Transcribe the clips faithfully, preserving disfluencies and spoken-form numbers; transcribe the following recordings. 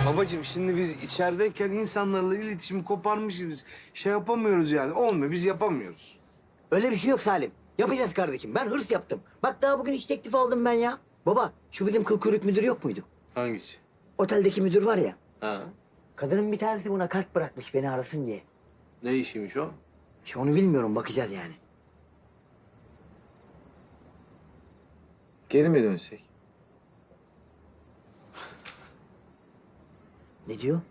Babacığım şimdi biz içerideyken insanlarla iletişimi koparmışız biz. Şey yapamıyoruz yani. Olmuyor, biz yapamıyoruz. Öyle bir şey yok Salim. Yapacağız kardeşim. Ben hırs yaptım. Bak daha bugün iş teklifi aldım ben ya. Baba şu bizim kıl kuyruk müdür yok muydu? Hangisi? Oteldeki müdür var ya. Ha. Kadının bir tanesi buna kart bırakmış beni arasın diye. Ne işiymiş o? İşte onu bilmiyorum, bakacağız yani. Geri mi dönsek? Ne diyor?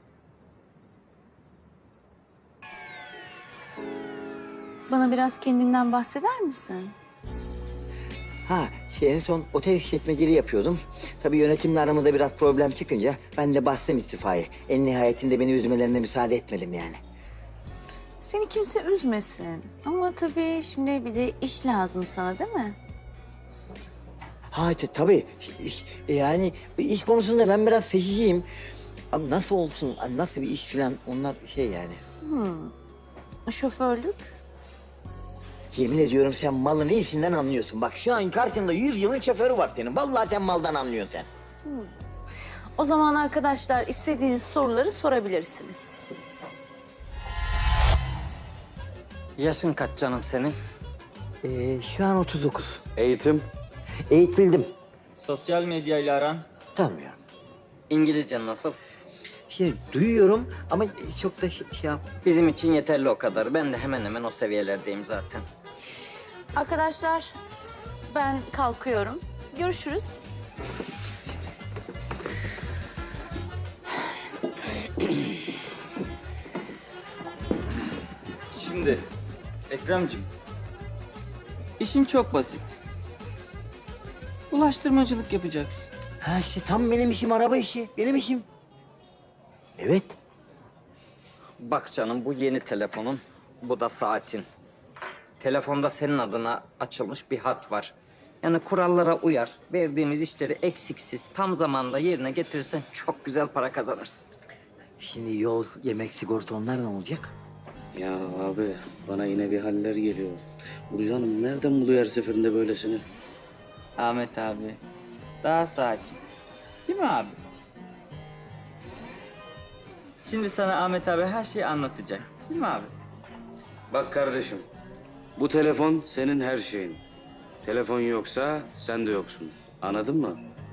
Bana biraz kendinden bahseder misin? Ha şey en son otel işletmeciliği yapıyordum. Tabii yönetimle aramızda biraz problem çıkınca ben de bastım istifayı. En nihayetinde beni üzmelerine müsaade etmedim yani. Seni kimse üzmesin. Ama tabii şimdi bir de iş lazım sana değil mi? Ha t- tabii iş, yani iş konusunda ben biraz seçiciyim. Ama nasıl olsun, nasıl bir iş falan onlar şey yani. Şoförlük. Yemin ediyorum sen malın iyisinden anlıyorsun. Bak şu an karşında yüz yılın şoförü var senin. Vallahi sen maldan anlıyorsun sen. O zaman arkadaşlar istediğiniz soruları sorabilirsiniz. Yaşın kaç canım senin? Ee, şu an otuz dokuz. Eğitim. Eğitildim. Sosyal medyayla aran? Tanımıyorum. İngilizce nasıl? Şimdi duyuyorum ama çok da şey, şey yap. Bizim için yeterli o kadar. Ben de hemen hemen o seviyelerdeyim zaten. Arkadaşlar ben kalkıyorum. Görüşürüz. Şimdi Ekremciğim, işin çok basit. Ulaştırmacılık yapacaksın. Ha işte tam benim işim, araba işi. Benim işim. Evet. Bak canım bu yeni telefonun, bu da saatin. Telefonda senin adına açılmış bir hat var. Yani kurallara uyar, verdiğimiz işleri eksiksiz, tam zamanda yerine getirirsen çok güzel para kazanırsın. Şimdi yol, yemek, sigorta onlar ne olacak? Ya abi bana yine bir haller geliyor. Burcu Hanım nereden buluyor her seferinde böylesini? Ahmet abi, daha sakin. Değil mi abi? Şimdi sana Ahmet abi her şeyi anlatacak. Değil mi abi? Bak kardeşim, bu telefon senin her şeyin. Telefon yoksa sen de yoksun. Anladın mı?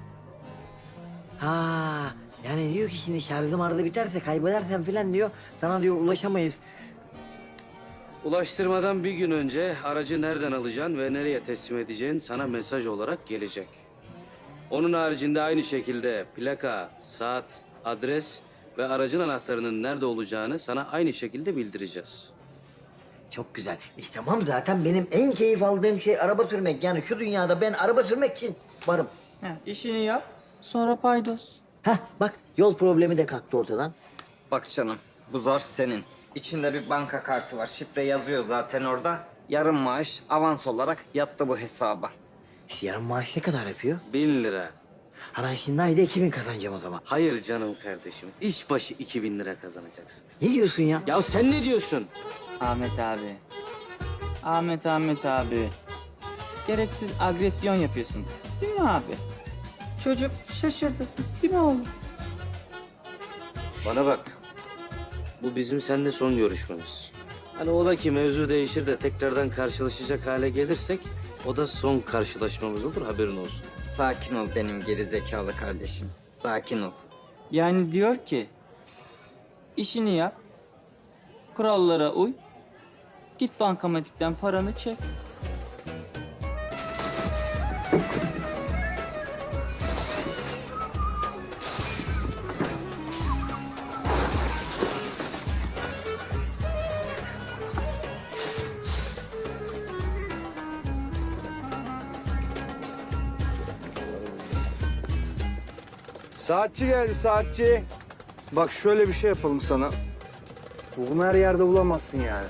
Ha yani diyor ki şimdi şarjım arada biterse kaybedersen falan diyor. Sana diyor ulaşamayız. Ulaştırmadan bir gün önce aracı nereden alacaksın ve nereye teslim edeceğin sana mesaj olarak gelecek. Onun haricinde aynı şekilde plaka, saat, adres ve aracın anahtarının nerede olacağını sana aynı şekilde bildireceğiz. Çok güzel. İşte tamam zaten benim en keyif aldığım şey araba sürmek. Yani şu dünyada ben araba sürmek için varım. Ha, işini yap, sonra paydos. Hah bak yol problemi de kalktı ortadan. Bak canım, bu zarf senin. İçinde bir banka kartı var. Şifre yazıyor zaten orada. Yarım maaş avans olarak yattı bu hesaba. İşte yarın maaş ne kadar yapıyor? Bin lira. Ha ben şimdi ayda iki bin kazanacağım o zaman. Hayır canım kardeşim. İş başı iki bin lira kazanacaksın. Ne diyorsun ya? Ya sen ne diyorsun? Ahmet abi. Ahmet Ahmet abi. Gereksiz agresyon yapıyorsun. Değil mi abi? Çocuk şaşırdı. Değil mi oğlum? Bana bak. Bu bizim seninle son görüşmemiz. Hani ola ki mevzu değişir de tekrardan karşılaşacak hale gelirsek o da son karşılaşmamız olur, haberin olsun. Sakin ol benim geri zekalı kardeşim. Sakin ol. Yani diyor ki, işini yap, kurallara uy, git bankamatikten paranı çek. Saatçi geldi, saatçi. Bak şöyle bir şey yapalım sana. Bunu her yerde bulamazsın yani.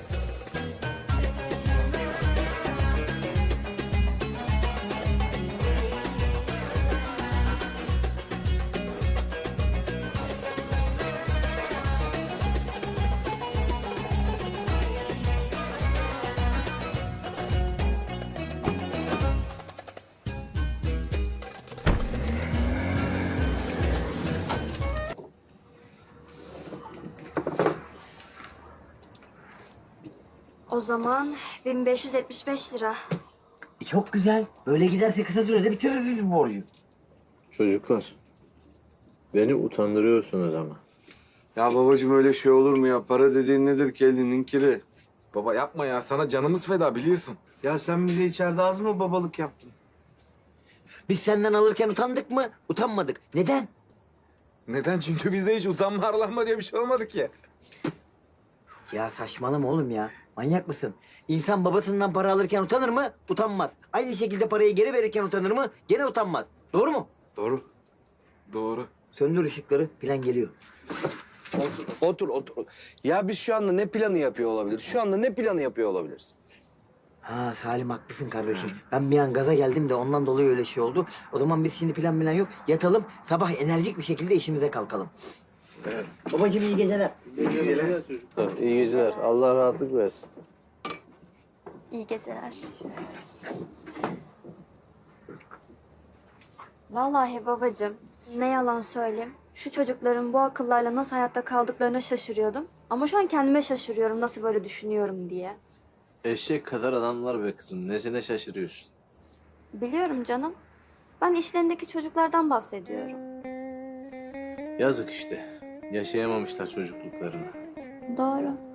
O zaman bin beş yüz yetmiş beş lira. E, çok güzel. Böyle giderse kısa sürede bitiririz biz bu borcu. Çocuklar, beni utandırıyorsunuz ama. Ya babacığım öyle şey olur mu ya? Para dediğin nedir ki elinin kiri? Baba yapma ya, sana canımız feda biliyorsun. Ya sen bize içeride az mı babalık yaptın? Biz senden alırken utandık mı? Utanmadık. Neden? Neden? Çünkü bizde hiç utanma arlanma diye bir şey olmadı ki. Ya saçmalama oğlum ya. Manyak mısın? İnsan babasından para alırken utanır mı? Utanmaz. Aynı şekilde parayı geri verirken utanır mı? Gene utanmaz. Doğru mu? Doğru. Doğru. Söndür ışıkları. Plan geliyor. Otur, otur. Ya biz şu anda ne planı yapıyor olabiliriz? Şu anda ne planı yapıyor olabiliriz? Ha Salim haklısın kardeşim. Ben bir an gaza geldim de ondan dolayı öyle şey oldu. O zaman biz şimdi plan plan yok. Yatalım. Sabah enerjik bir şekilde işimize kalkalım. Evet. Babacığım iyi geceler. İyi geceler. Allah rahatlık versin. İyi geceler. Vallahi babacığım, ne yalan söyleyeyim. Şu çocukların bu akıllarla nasıl hayatta kaldıklarına şaşırıyordum. Ama şu an kendime şaşırıyorum nasıl böyle düşünüyorum diye. Eşek kadar adamlar be kızım. Nesine şaşırıyorsun? Biliyorum canım. Ben işlerindeki çocuklardan bahsediyorum. Yazık işte. Yaşayamamışlar çocukluklarını. Doğru.